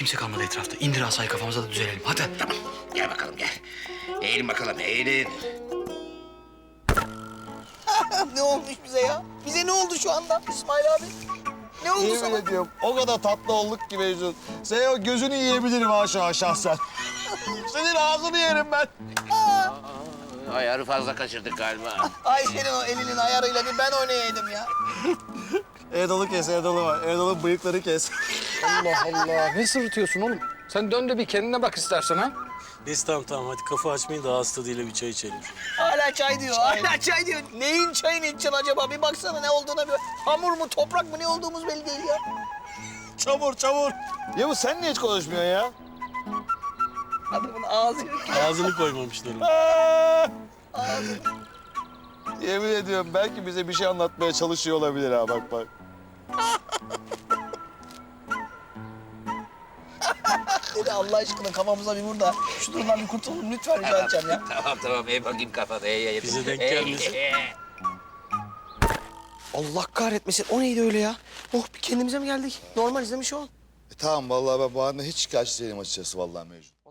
kimse kalmadı etrafta. İndir asayı kafamıza da düzelelim. Hadi. Tamam. Gel bakalım gel. Eğilin bakalım eğilin. Ne olmuş bize ya? Bize ne oldu şu anda İsmail abi? Ne oldu Yemin sana? ediyorum o kadar tatlı olduk ki Mecnun. Senin o gözünü yiyebilirim ha şahsen. Senin ağzını yerim ben. Ayarı fazla kaçırdık galiba. Ay senin o elinin ayarıyla bir ben oynayaydım ya. Erdal'ı kes, Erdal'ı var. Erdal'ın bıyıkları kes. Allah Allah. Ne sırıtıyorsun oğlum? Sen dön de bir kendine bak istersen ha. Neyse tamam hadi kafa açmayın da ağız tadıyla bir çay içelim. Hala çay diyor, hala çay diyor. Neyin çayını içeceksin acaba? Bir baksana ne olduğuna bir... Hamur mu, toprak mı ne olduğumuz belli değil ya. Çamur, çamur. Ya bu sen niye hiç konuşmuyorsun ya? Adamın ağzı yok. Ağzını koymamışlar onu. Yemin ediyorum belki bize bir şey anlatmaya çalışıyor olabilir ha bak bak. Dedi Allah aşkına kafamıza bir vur da şu durumdan bir kurtulalım lütfen rica edeceğim ya. Tamam eğ bakayım kafada eğ. Bize denk gelmesin. Allah kahretmesin o neydi öyle ya? Oh bir kendimize mi geldik? Normal izlemiş ol. Tamam vallahi ben bu anda hiç şikayetçi değilim açıkçası vallahi Mecnun.